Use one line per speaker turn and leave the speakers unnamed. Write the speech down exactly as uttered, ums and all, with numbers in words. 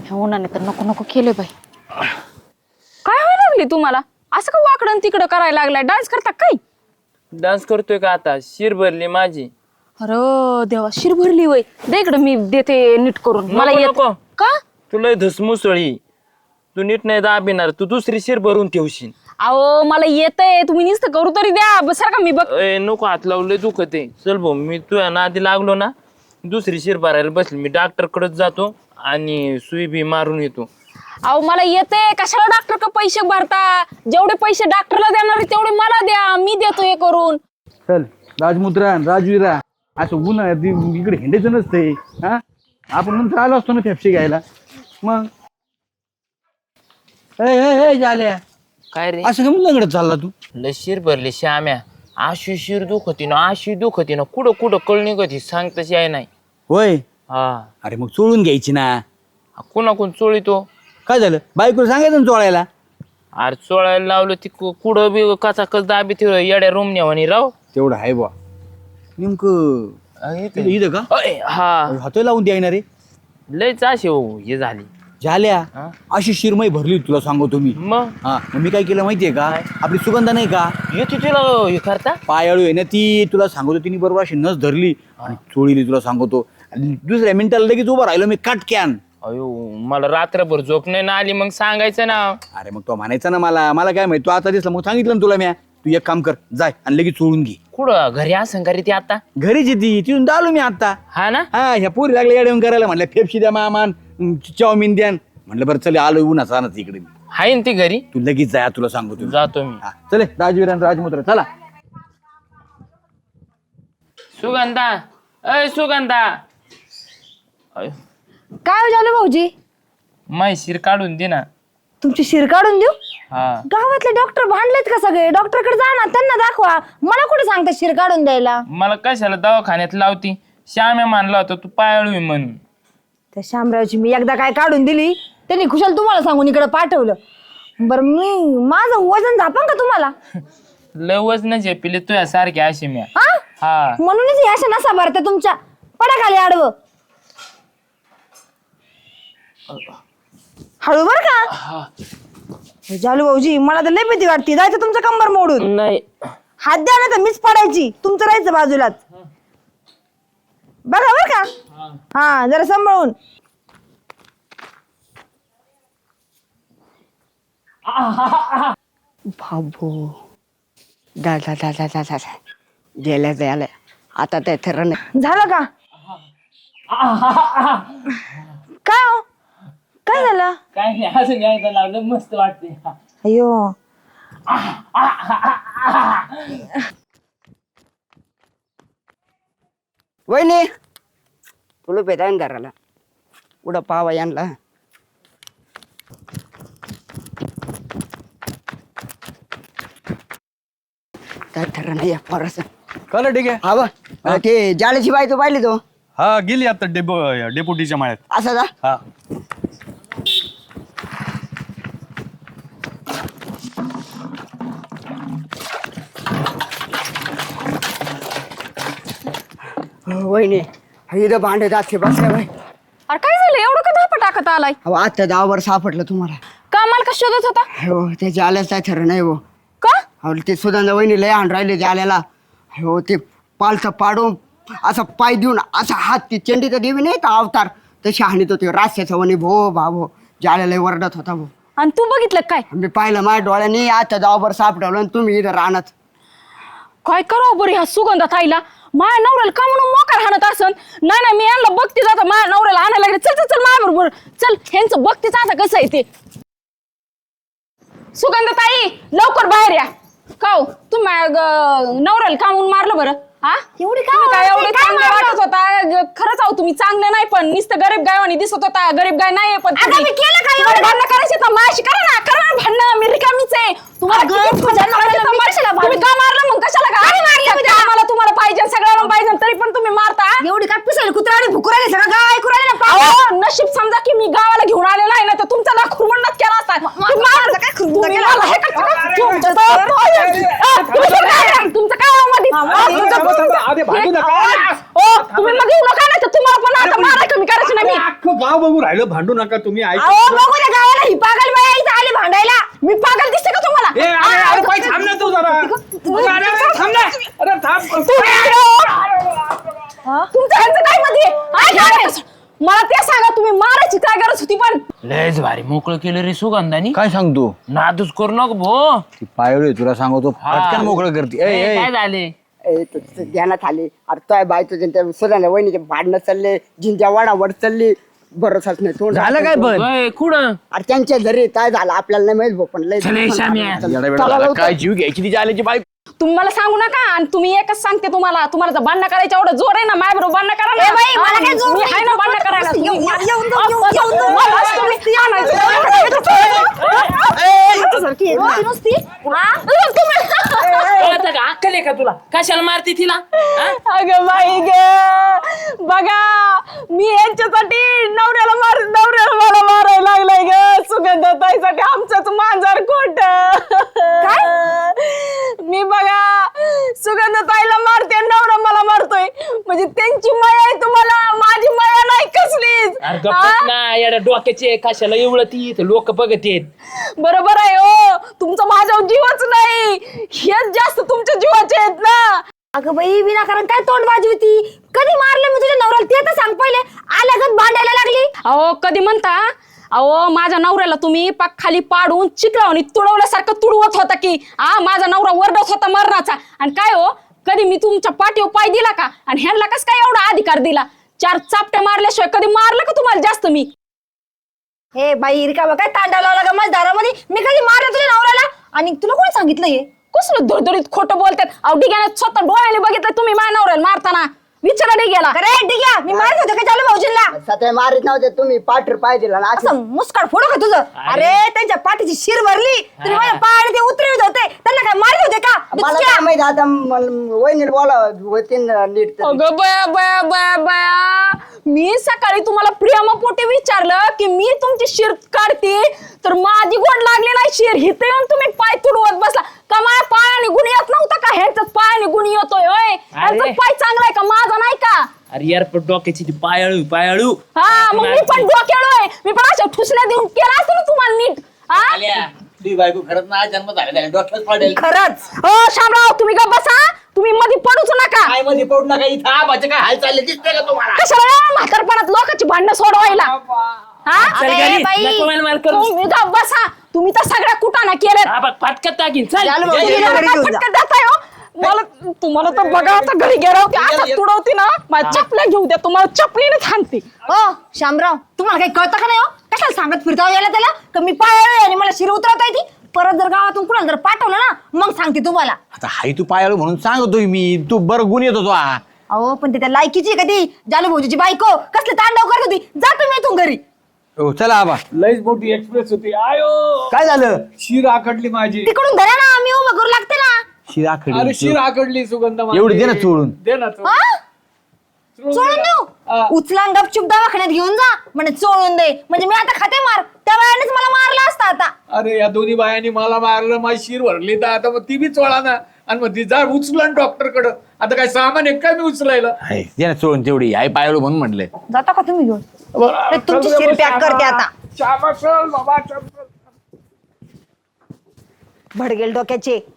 उन्हाने तर नको नको केले बाई. काय व्हायला लागली तुम्हाला? असं का वाकडं तिकडं करायला लागलाय? डान्स करता काय?
डान्स करतोय का आता? शिर भरली माझी.
अरे देवा, शिर भरली वय. दे इकडं, मी देते नीट करून. मला
नको,
येत
नको.
का?
तुला धसमुसळी, तू नीट नाही दाबिणार, तू दुसरी शिर भरून ठेवशील.
अहो मला येतंय, तुम्ही नुसतं करू तरी द्या. बस का मी बघ.
ए नको, हात लावलंय दुखते. चल भाऊ, मी तुझ्या नादी लागलो ना, दुसरी शिर भरायला बसली. मी डॉक्टर कडेच जातो आणि सुई बी मारून येतो.
अहो मला येते, कशाला डॉक्टर का पैसे भरता? जेवढे पैसे डॉक्टरला देणार तेवढे मला द्या, मी देतो हे करून.
चल राजमुद्रा राजवीरा, असं ऊन इकडे हिंडायचं नसतंय. हा, आपण नंतर आलो असतो ना फेपशी घ्यायला. मग झाल्या
काय रे?
असं कमी लंगडत चालला तू?
लय शिर भरली श्याम्या. आशी शिर दुखती ना, आशी दुखती ना, कुठं कुठं कळ निघती सांग तशी आहे नाही.
होय,
हा,
अरे मग चोळून घ्यायची ना.
कोणा कोण चोळीतो?
काय झालं, बायकोला सांगायचं ना चोळायला.
अरे चोळायला लावलं ती कु- कुठं बी कचा कच दाबी ठेव येड्या रोमण्या म्हणे राव.
तेवढं आहे बा. नेमकं इथं इथं का
अय, हा
हातोय लावून द्यायना रे.
लयच अशी हो हे झाली.
झाल्या
हा?
अशी शिरमई भरली तुला सांगतो मी.
मग
हा, मग मी काय केलं माहितीये का, आपली सुगंधा नाही का,
येते तुला हे करता.
पायाळू आहे ना ती, तुला सांगतो तिने बरोबर अशी नस धरली आणि चोळीली तुला सांगतो. आणि दुसऱ्या मिनिटाला लगेच उभं राहिलो मी काटक्यान.
अयो मला रात्रभर झोप नाही ना आली, मग सांगायचं ना.
अरे मग तो म्हणायचा ना मला मला काय माहिती, तू आता दिसला मग सांगितलं ना तुला. म्या तू एक काम कर, जाय आणि लगेच चोळून घे.
कुठं घरी असं घरी ती आता?
घरीच येते तिथून आलो मी आता.
हा ना.
हा, ह्या पोरी लागल्या येऊन करायला. म्हणलं फेपशी द्या मामान, चाऊमिन द्या. म्हणलं बरं चल, आलो उन्हाचा आणत इकडे.
हाय ना ती घरी?
तू लगेच जाय, तुला सांगतो.
जातो मी.
हा, चले राजवीर आणि राजमुद्रा चला.
सुगंधा, अय सुगंधा. अय,
काय झालं भाऊजी?
माय शिर काढून दे ना.
तुमची शिर काढून देऊ?
हा,
गावातले डॉक्टर भांडलेत का सगळे? डॉक्टरकडे जा ना, त्यांना दाखवा. मला कुठे सांगता शिर काढून द्यायला?
मला कशाला दवाखान्यात लावती? श्याम्या मानला होता तू पायाळू आहे म्हणून.
त्या शामरावची मी एकदा काय काढून दिली, त्यांनी खुशाल तुम्हाला सांगून इकडे पाठवलं. बरं, मी माझं वजन झापन का तुम्हाला?
लय वजनाचे पिले तुझ्या सारखे अशी म्या.
हा,
हा,
म्हणूनच हे अशा नसा भरत्या तुमच्या. पडा खाली आडवं. हळू बर का. जालू भाऊजी, मला तर लय भीती वाटते. जायचं तुमचं कंबर मोडून.
नाही
हात द्या ना, तर मीच पडायची, तुमचं राहायचं बाजूलाच. बघा बर का. हा, जरा सांभाळून.
बाबू दादा दादा दादा गेल्या गेल्या आता ते थर नाही
झालं का? काय हो, काय झालं?
काय नाही, असं घ्यायचं लावलं मस्त वाटते.
अयो,
वहिनी तुला पेदायन धराला उडा पावा यांना. काय थर नाही परस.
कळलं, ठीक आहे.
हा बा, ते जाळ्याची बाई तो पाहिली तो.
हा, गेली आता डेपो डेपुटीच्या माळ्यात.
असा जा.
हा,
वहिनी इथं भांडे दाखे बसल्या बाई.
अरे काय झालं, एवढं का धापा टाकत आलाय?
अहो आता दहावर सापडलं तुम्हाला.
का मला का शोधत होता?
हो ते जाल्याच काय थर नाही हो.
का?
अहो ते सुधांदा वहिनी लय आण राहिले जाल्याला. हो ते पालथं पाडून असा पाय देऊन असा हात, ती चंडीचा देवी नाही का अवतार, तशी हाणीत होते रास्त्याचा वणी. भो भाभो जाल्याला वरडत होता भो.
आणि तू बघितलं काय?
मी पाहिलं माझ्या डोळ्याने. आता दहावर सापडवलं आणि तुम्ही इथं राहणार.
काय करावं बरं ह्या सुगंधात आईला? माझ्या नवऱ्याला का म्हणून मोकार हाणत असन? नाही नाही, मी यांना बघते जाता माझ्या नवऱ्याला आणायला लागले. चल चल चल माझ्या बरोबर चल, ह्यांचं बघतेच आता कसं आहे ते. सुगंधताई लवकर बाहेर या. का हो, तुम्ही नवऱ्याला का म्हणून मारलं बरं? हा,
एवढी का
तुम्ही काय
मारते?
एवढे
काय
चांगले
मारलं?
वाटत होता? खरंच आहो तुम्ही चांगले नाही, पण नुसतं गरीब गायवानी दिसत होता. गरीब गाय नाहीये, पण
आता मी केलं काय एवढं?
भांडणं करायचे तर माझ्याशी करा ना, करा ना भांडणं. मी रिकामीच आहे. तुम्हाला
अगं,
किती
तुझ्या
भांडणं करायचे तर
नवऱ्याला मी
मार-
कशाला
तुम्ही का मारलं मग? कशाला का? आम्हाला तुम्हाला पाहिजे, सगळ्यांना पाहिजे, तरी पण तुम्ही मारता.
एवढी काय पिसायला कुत्रा भुकुराले सगळं गाव ऐकू राहिले ना.
अहो, नशीब समजा की मी गावाला घेऊन आलेला आहे ना, तर तुमचा ना खुरमंडाच केला असता. तुम्ही मार-
काय खुरमंड
तुम्ही
केला?
मला हे करता का? तुमचं तर- अ, तुम्ही कुठं आहे? तुमचं काय आहे मध्ये? अ, तुमचं-
आधी भांडू नका.
ओ, तुम्ही मग येऊ नका, नाही तर तुम्हाला पण आता माराय कमी करायचं नाही मी.
गाव बघू राहिलं, भांडू नका तुम्ही. ऐक
अहो बघू द्या गावाला, ही पागल बाई इथं आली भांडायला.
मी पागल दिसते का तुम्हाला?
ए, अरे अरे बाई, थांब ना तू जरा. अरे, अरे, अरे, थांब ना. अरे थांब.
तुमचं ह्यांचं काय मध्ये आहे? काय झालं? मला ते सांगा, तुम्ही मारायची काय गरज होती? पण
लयच भारी मोकळं केलं रे सुगंधानी.
काय सांगतो
नादूच करू नको भो.
ती पायवळी तुला सांगतो पटकन मोकळं करते. ए, ए,
काय झाले?
ए तू तुझं ध्यानात आले. अरे तो बाय तुझ्या त्या सुराने वहिनीचे भांडणं चालले, जिंच्या वाडावर चालली, भरोसाच नाही. तोंड
झालं काय पण
ओय, कुठं
अरे त्यांच्या घरी काय झालं आपल्याला नाही माहित भाऊ, पण लय
चले, श्याम्या.
येडा बेडा झाला. काय जीव घ्यायची तिच्या आल्याची बाई.
तुम्ही मला सांगू नका. आणि तुम्ही एकच सांगते, तुम्हाला तुम्हाला जर भांडणं करायचं एवढं जोर आहे ना, माझ्या बरोबर भांडणं करा ना.
ए बाई, मला काय जोर
मी
नाही.
आहे ना भांडणं करायला.
येऊन-
तुम्ही-
येऊन- येऊन जाऊ, येऊन- येऊन जाऊ.
मलाच तुम्ही आणायचं.
सारखी आहे, नुसती नुसती. हा?
कळतं का? अक्कल आहे का तुला? कशाला मारते तिला हा?
अगं बाई ग, बघा मी यांच्यासाठी नवऱ्याला मार नवऱ्याला मला मारायला लागलाय ग. सुगंधाताईसाठी आमचंच मांजर खोट. मी बघा सुगंधाताईला मारते, नवरा मला मारतोय. म्हणजे त्यांची माया आहे तुम्हाला, माझी माया नाही कसलीच.
अरे गप्पच ना येड्या डोक्याचे, कशाला एवढं ती लोक बघत येत.
बरोबर आहे हो, तुमचं माझ्यावर जीवच नाही, हेच जास्त तुमच्या जीवाचे आहेत ना.
अगं बाई विनाकारण काय तोंड वाजवती? कधी मारलं मी तुझ्या नवऱ्याला ते तर सांग पहिले. आल्यागत भांडायला लागली.
अहो कधी म्हणता? अहो माझ्या नवऱ्याला तुम्ही पाक खाली पाडून चिकलावणी तुडवल्यासारखं तुडवत होता की आ माझा नवरा वरडत होता मरणाचा. आणि काय हो, कधी मी तुमच्या पाठीवर पाय दिला का? आणि ह्यांना कस काय एवढा अधिकार दिला? चार चापट्या मारल्याशिवाय कधी मारलं का तुम्हाला जास्त मी?
हे बाई रिकामा काय तांडा लावला का माझ्या दारामध्ये? मी कधी मारलं तुझ्या नवऱ्याला? आणि तुला कोणी सांगितलं हे?
कसलं धुरधुरीत खोटं बोलतात. अहो डिग्याने स्वतः डोळ्याने बघितलं तुम्ही माझ्या नवऱ्याला मारताना. विचारा डिग्याला.
अरे ठीक आहे, मी मारत होते का चालू भाऊजींना?
सध्या मारित नव्हते तुम्ही, पाठर पाहिजे ना असं.
असं मुस्काड फोडू का तुझं? अरे त्यांच्या पाठीची शिर भरली, तुम्ही माझ्या पायाने ते उतरवित होते. त्यांना काय मारत होते का?
मला
बिचक्या.
काय माहित आता, वहिनीला बोला होती नीट तरी.
अगं बया बया बया बया, मी सकाळी तुम्हाला प्रेमापोटी विचारलं की मी तुमची शिर काढते, तर माझी गोड लागली नाही शिर. हिथे येऊन तुम्ही पाय तुडवत बसला का? माझ्या पायाने गुण येत नव्हता का? ह्यांचाच पायाने गुण येतोय होय? ह्यांचा पाय चांगला आहे का, माझा नाही का?
अरे यार पण डोक्याची ती पायाळू पायाळू.
हा मग मी पण डोक्याळोय. मी पण अशा ठुसल्या देऊन केला असतो ना तुम्हाला नीट. हा?
बायको खरंच ना जन्म झालेला आहे, डोक्यात पडेल.
खरंच
हो शामराव, तुम्ही गप्प बसा. तुम्ही मध्ये पडूच नका.
काय मध्ये पडू नका इथं. आबाचे काय हाल चालले दिसते का तुम्हाला?
कशाला या म्हातारपणात लोकांची भांडणं सोडवायला? हा?
चल
अरे
घरी,
बाई.
नको मला मार करू.
तुम्ही गप्प बसा. तुम्ही तर सगळ्या कुटाणा केल्यात.
हा बघ फाटक्यात टाकीन. चल
चालू
ये, ये,
भाऊजी,
ये.
घरी घेऊन जा.
फटकन देताय हो. मला तुम्हाला तर बघा आता घरी गेला होती, आता तुडवती ना माझ्या चपल्या घेऊ द्या, तुम्हाला चपलीने थांबते.
हो शामराव, तुम्हाला काही कळतं का नाही? हो कशाला सांगत फिरता यायला त्याला का मी पायाळू आणि मला शिर उतरवता येते? परत जर गावातून कुणाला जर पाठवलं ना, मग सांगते तुम्हाला.
आता हाय तू पायाळू म्हणून सांगतोय मी. तू बरं गुण येतो तो. हा.
अहो पण ते त्या लायकीची आहे का ती जालू भाऊजीची बायको? कसले तांडव करत होती. जा तुम्ही इथून घरी.
हो चला आबा.
लयच मोठी एक्सप्रेस होती. आयो,
काय झालं?
शिर आकडली माझी.
तिकडून धरा ना, मी उभं करू लागते ना.
शिरा
अरे शिर आकडली सुगंध माझी.
एवढी दे ना चोळून.
दे ना चोळून.
हा?
चोळून
चोळून
दे ना.
देऊ?
हा.
उचला आणि गपचूप दवाखान्यात घेऊन जा म्हणजे चोळून दे. म्हणजे मी आता खाते मार, त्या वेळेनेच मला मारला असता आता.
अरे या दोन्ही बायांनी मला मारलं, माझी शिर भरली, तर आता मग ती बी चोळा ना. आणि मग ती जा उचला डॉक्टर कडं. आता काय सामान आहे काय मी उचलायला?
हाय, दे ना चोळून तेवढी. आई पायाळू म्हणून म्हटलंय.
जाता का तुम्ही घेऊन?
बरं,
ते तुमची
चल
शिर
बाबा,
पॅक करते आता.
श्यामा, चल बाबा, चल, चल.
भडगेल डोक्याचे.